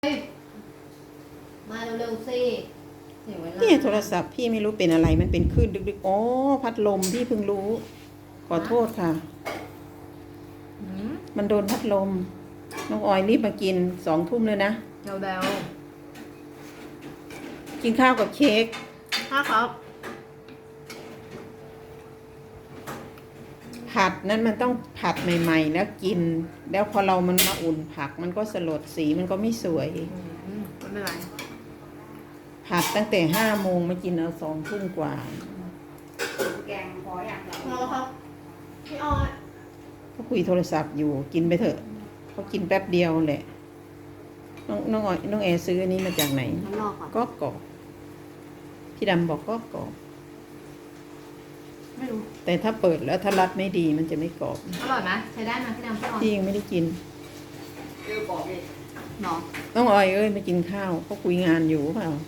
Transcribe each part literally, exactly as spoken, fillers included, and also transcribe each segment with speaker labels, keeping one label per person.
Speaker 1: มาเร็วๆสิเสียเวลา
Speaker 2: เนี่ยโทรศัพท์พี่ไม่รู้เป็นอะไรมันเป็นคลื่นดึกๆอ๋อพัดลมพี่เพิ่งรู้ ขอโทษค่ะ
Speaker 1: อืม
Speaker 2: มันโดนพัดลมน้องออยรีบมากินสองทุ่มเลยนะ
Speaker 1: เร็ว
Speaker 2: กินข้าวกับเค้ก
Speaker 1: ๆถ้าครับ
Speaker 2: ผัดนั้นมันต้องผัดใหม่ๆแล้วกิน แล้วพอเรามันมาอุ่นผักมันก็สลดสีมันก็ไม่สวย
Speaker 1: อืมไม่เป็นไร
Speaker 2: ผัดตั้งแต่ห้าโมงมากินเอาสองทุ่มกว่า
Speaker 3: แกงพออย่างเรา
Speaker 1: พอแล้วครับพี่ออย
Speaker 2: เขาคุยโทรศัพท์อยู่กินไปเถอะเขากินแป๊บเดียวแหละน้องน้องออยน้องแอร์ซื้ออันนี้มาจากไหน
Speaker 1: น้ำรอก่อน
Speaker 2: ก็กรอบพี่ดำบอกก็กรอบ
Speaker 1: ไม่รู้
Speaker 2: แต่ถ้าเปิดแล้วถ้ารัดไม่ดีมันจะไม่กรอบ
Speaker 1: อร่อยไหมใช้ได้ไหมพี่ดำพี่ออย
Speaker 2: พี่ยังไม่ได้กิน
Speaker 3: เออบอกเลย
Speaker 1: เนาะ
Speaker 2: น้องออยเอ้ยมากินข้าวเขาคุยงานอยู่เปล่า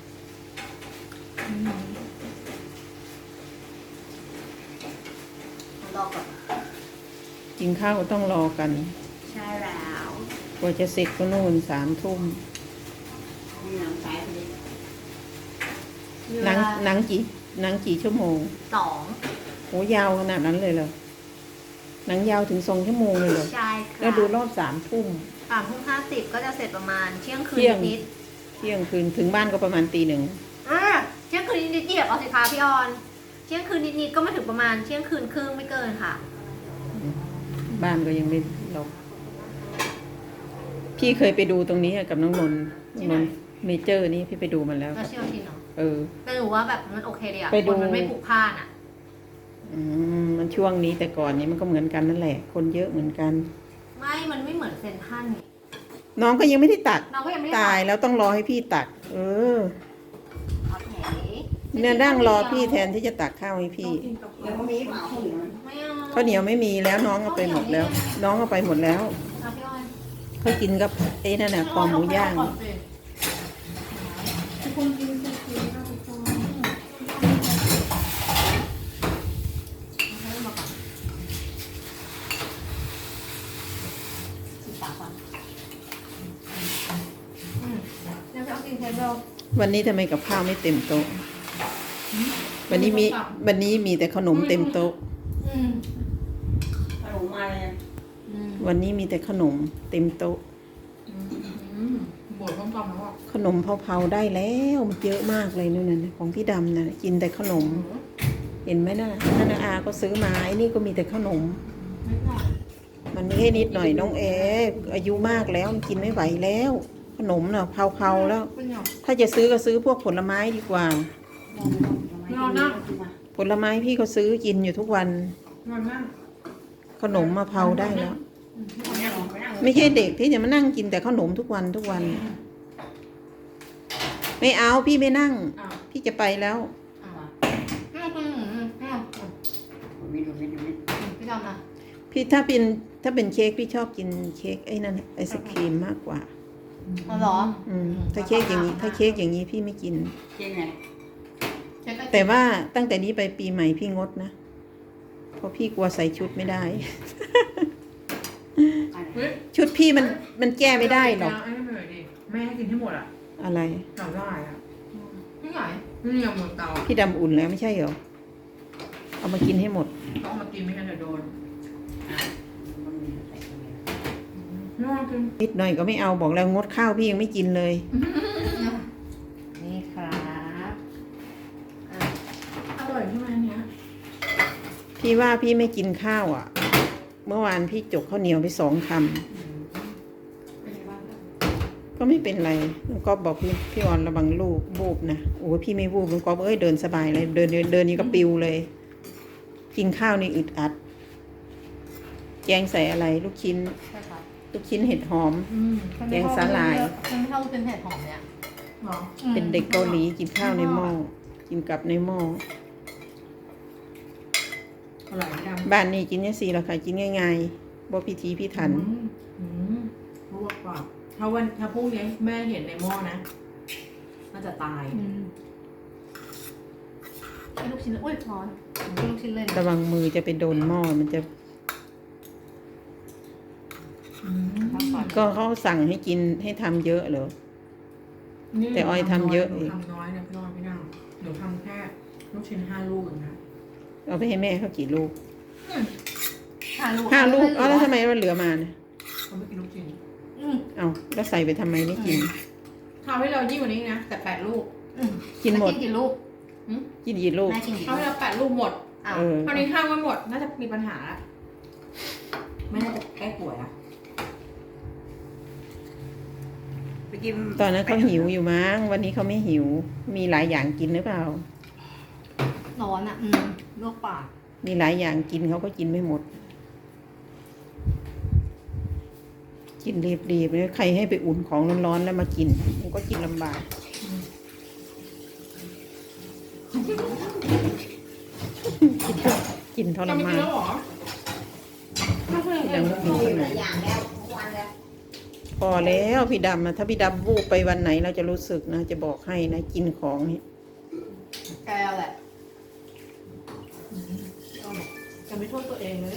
Speaker 1: รอก่อน
Speaker 2: กินข้าวก็ต้องรอกัน
Speaker 1: ใช่แล้ว
Speaker 2: กว่าจะเสร็จก็นู่นสามทุ่ม
Speaker 3: มีหนังสายไปเลย
Speaker 1: มี
Speaker 2: ห
Speaker 1: เว
Speaker 2: นัง
Speaker 1: ลา
Speaker 2: หนังกี่หนังกี่ชั่วโมง
Speaker 1: สอง
Speaker 2: โหยาวขนาดนั้นเลยเหรอหนังยาวถึงสองชั่วโมงเลยเหรอ
Speaker 1: ใช่ค่ะ
Speaker 2: แล้วดูรอบสามทุ่ม
Speaker 1: สามทุ่มห้าสิบก็จะเสร็จประมาณเที่ยงคืน
Speaker 2: เที่ยง
Speaker 1: นิด
Speaker 2: เที่ยงคืนถึงบ้านก็ประมาณตีหนึ่ง
Speaker 1: ๆอ่าเที่ยงคืนนิดๆเหยียบเอาสิคะพี่ออนเที่ยงคืนนิดๆก็มาถึงประมาณเที่ยงคืนครึ่งไม่เกินค่ะ
Speaker 2: บ้านก็ยังไม่ล็อกพี่เคยไปดูตรงนี้กับน้องนนท์น้องนนท์เมเจอร์นี่พี่ไปดูมันแล้ว
Speaker 1: แล้วเชี่ยวชินเนาะ
Speaker 2: เออ
Speaker 1: แต่หนูว่าแบบมันโอเคดีอะ
Speaker 2: ไปดู
Speaker 1: คนมันไม่ผูกผ้านอะ
Speaker 2: อืมมันช่วงนี้แต่ก่อนนี้มันก็เหมือนกันนั่นแหละ คนเยอะเหมือนกัน
Speaker 1: ไม่ มันไม่เหมือนเซนทรันนี่
Speaker 2: น้องก็ยังไม่ได้ตัด
Speaker 1: เราก็ยังไม่ได้
Speaker 2: ตายแล้วต้องรอให้พี่ตัด เออ
Speaker 1: เอาแผล
Speaker 2: เนี่ยนั่งรอพี่แทนที่จะตักข้าวให้พี่
Speaker 3: แล้วก็มีเปล่าข้าวเหนียว
Speaker 1: ไม่เอา
Speaker 2: ข้าวเหนียวไม่มีแล้วน้องเอาไปหมดแล้ว น้องเอาไปหมดแล้ว
Speaker 1: เอาพี่ออย
Speaker 2: เขากินกับไอ้นั่นน่ะคอหมูย่าง
Speaker 1: ทุกคนกินซีฟู้ดนะทุกคนให้มาก่อนสีปากก่อนอืมเดี๋ยวจะเอากินเทเบิล
Speaker 2: วันนี้ทำไมกับข้าวไม่เต็มโต๊ะ วันนี้มีวันนี้มีแต่ขนมเต็มโต๊ะ
Speaker 1: อืม
Speaker 3: ขนมมาเลย
Speaker 1: อืม
Speaker 2: วันนี้มีแต่ขนมเต็มโต๊ะ
Speaker 1: อืมบวชต้มตำแล้วอ่ะ
Speaker 2: ขนมเผาๆได้แล้วมันเยอะมากเลยนู่นน่ะของพี่ดำน่ะกินแต่ขนม เห็นไหมน่ะนั่นน่ะอาก็ซื้อมาไอ้นี่ก็มีแต่ขนม
Speaker 1: นิดหน่อย
Speaker 2: มันไม่ใช่นิดหน่อยน้องเออายุมากแล้วมันกินไม่ไหวแล้ว ขนมน่ะเผาๆแล้ว
Speaker 1: เป็นหยอก
Speaker 2: ถ้าจะซื้อก็ซื้อพวกผลไม้ดีกว่า ผลไม้พี่ก็ซื้อกินอยู่ทุกวัน
Speaker 1: นอนนั่ง
Speaker 2: ขนมมาเผาได้แล้ว
Speaker 3: ไม่นั่งไม่นั่ง
Speaker 2: ไม่ใช่เด็กที่จะมานั่งกินแต่ขนมทุกวันทุกวัน ไม่เอาพี่ไม่นั่ง
Speaker 1: อ้าว
Speaker 2: พี่จะไปแล้ว
Speaker 1: อ้าวอืมอืมอืมอืม
Speaker 3: มีดูมีดูมี
Speaker 1: พี่ดำนะ
Speaker 2: พี่ถ้าเป็นถ้าเป็นเค้กพี่ชอบกินเค้กไอ้นั่นไอศครีมมากกว่า
Speaker 1: อ๋อเหรอ
Speaker 2: อืมถ้าเค้กอย่างนี้ ถ้าเค้กอย่างนี้พี่ไม่กิน
Speaker 3: เจ๊งไง
Speaker 1: เช็คก็
Speaker 2: แต่ว่าตั้งแต่นี้ไปปีใหม่พี่งดนะ เพราะพี่กลัวใส่ชุดไม่ได้
Speaker 1: เฮ้ย
Speaker 2: ชุดพี่มันมันแก้ไม่ได้หรอก
Speaker 4: ไอ้นี่เหนื่อยดิแม่ให้กินให้หมดอ่ะ
Speaker 2: อะไร
Speaker 4: หนังลายอ่ะ
Speaker 1: ไม่ไหว
Speaker 4: นี่ยังหมดเตา
Speaker 2: พี่ดำอุ่นแล้วไม่ใช่เหรอ เอามากินให้หมด
Speaker 4: ต้องเอามากินไม่งั้นเดี๋ยวโดน
Speaker 3: มันมีใส่ข้าวเหนียว
Speaker 4: ไม่ว่ากิน
Speaker 2: นิดหน่อยก็ไม่เอาบอกแล้วงดข้าวพี่ยังไม่กินเลย
Speaker 1: นี่ครับอ่ะ
Speaker 4: อร่อยใช่ไหมอันเนี้ย
Speaker 2: พี่ว่าพี่ไม่กินข้าวอ่ะ เมื่อวานพี่จกข้าวเหนียวไปสองคำ
Speaker 4: เป็นไงบ้าง
Speaker 2: ก็ไม่เป็นไรลุงก๊อฟบอกพี่พี่ออนระวังลูกวูบนะโอ้ยพี่ไม่วูบลุงก๊อฟเอ้ยเดินสบายเลย เดินเดินเดินนี่ก็ปิวเลย กินข้าวนี่อึดอัด แกงใส่อะไร ลูกชิ้น
Speaker 1: ใช่ครับ
Speaker 2: ลูกชิ้นเห็ดหอม
Speaker 1: อืม
Speaker 2: แกงสาหร่าย
Speaker 1: ฉันไม่ชอบเป็นเห็ดหอมเนี่ย
Speaker 4: หรอ
Speaker 2: เป็นเด็กเกาหลีกินข้าวในหม้อ กินกับในหม้อ
Speaker 4: อร่อยไหมดำ
Speaker 2: บ้านนี้กินเนี่ยสี่ละค่ะกินง่ายๆบ่พิธีพิถัน
Speaker 4: อืมอืมลวกก่อนถ้าวันถ้าพรุ่งนี้แม่เห็นในหม้อนะน่าจะตาย
Speaker 1: อืมให้ลูกชิ้นเลยอุ้ยร้อนให้ลูกชิ้นเลย
Speaker 2: ระวังมือจะไปโดนหม้อมันจะ
Speaker 4: อืม
Speaker 2: ก็เขาสั่งให้กินให้ทำเยอะเหรอ
Speaker 4: นี่
Speaker 2: แต่ออยทำเยอะ
Speaker 4: หนู
Speaker 2: อีก
Speaker 4: ทำน้อยนะพี่ออยพี่นางหนูทำแค่ลูกชิ้นห้าลูกเองนะ
Speaker 2: เอาไปให้แม่เขากี่ลูก
Speaker 4: อืม
Speaker 1: ห้าลูก
Speaker 2: ห้าลูก
Speaker 1: เอ
Speaker 2: อ๋อแล้วทำไมมันเหลือมาเนี่ย
Speaker 4: เขาไม่กินลูกชิ้น
Speaker 1: อืม
Speaker 2: เอาแล้วใส่ไปทำไมไม่กิน
Speaker 4: ทำให้เรายิ่งกว่านี้นะแต่แปดลูก
Speaker 1: อืม
Speaker 2: กินหมด
Speaker 1: แกินกี่ลูก
Speaker 2: กินกี่ลูก
Speaker 1: แม่กินกี่
Speaker 4: ทำ
Speaker 1: ลู
Speaker 4: ให้
Speaker 1: ก
Speaker 4: เราแปดลูกหมด
Speaker 1: อ้าว
Speaker 2: เออ
Speaker 4: คราวนี้ห้ามไม่หมดน่าจะมีปัญหาละไม่น่าจะแก้ป่วยอะ
Speaker 3: ไปกิน
Speaker 2: ตอนนั้นเขาหิวอยู่มั้งวันนี้เขาไม่หิว มีหลายอย่างกินหรือเปล่า
Speaker 1: ร้อนอ่ะ อืมลวกปาก
Speaker 2: มีหลายอย่างกินเขาก็กินไม่หมด กินรีบๆเลยใครให้ไปอุ่นของร้อนๆแล้วมากิน มันก็กินลำบาก กินทร
Speaker 4: จะไม่
Speaker 2: มา
Speaker 4: กิน
Speaker 2: น
Speaker 4: แล้วเหรอ
Speaker 2: ยังไม่กิน
Speaker 3: หลายอย่างแล้วทุกวันแล้ว
Speaker 2: พอแล้วพี่ดำนะถ้าพี่ดำวูบไปวันไหนเราจะรู้สึกนะ จะบอกให้นะ กินของนี่
Speaker 1: แกแหละ
Speaker 4: จะไม่โทษตัวเองเลย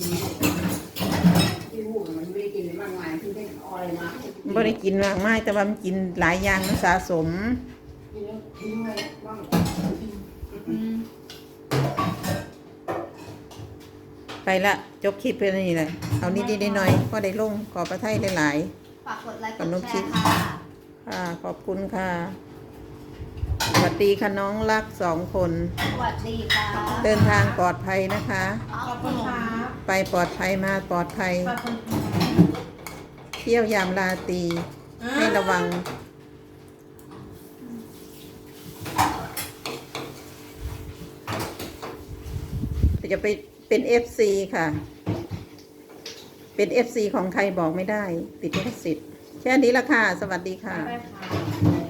Speaker 3: ที่พูดมันไม่ได้กินเลยมากมายที่ได้เอาอะไรมา
Speaker 2: ไม่ได้กินมากมายแต่ว่ามันกินหลายอย่างมันสะสม
Speaker 3: กินแล้วทิ้งไว้บ้าง
Speaker 1: อืม
Speaker 2: ไปละจบคลิปไปนี่แหละเอานิดๆหน่อยๆก็ได้ลงขอประทัยหลาย
Speaker 1: ฝากกดไลค์
Speaker 2: ข
Speaker 1: ก
Speaker 2: น
Speaker 1: ด
Speaker 2: ม
Speaker 1: แช
Speaker 2: จีน
Speaker 1: ร์ค่ะ
Speaker 2: ๆค่ะขอบคุณค่ะสวัสดีค่ะน้องรักสองคน
Speaker 1: สวัสดีค่ะ
Speaker 2: เดินทางปลอดภัยนะคะ
Speaker 4: ขอบคุณครับ
Speaker 2: ไปปลอดภัยมาปลอดภัย
Speaker 4: ขอบคุณ
Speaker 2: เที่ยวยามราตรีให้ระวัง จะไปเป็น เอฟ ซี ค่ะ เป็น เอฟ ซี ของใครบอกไม่ได้ ติดลิขสิทธิ์แค่นี้ละค่ะ สวัสดีค่ะ
Speaker 4: ได้ค่ะ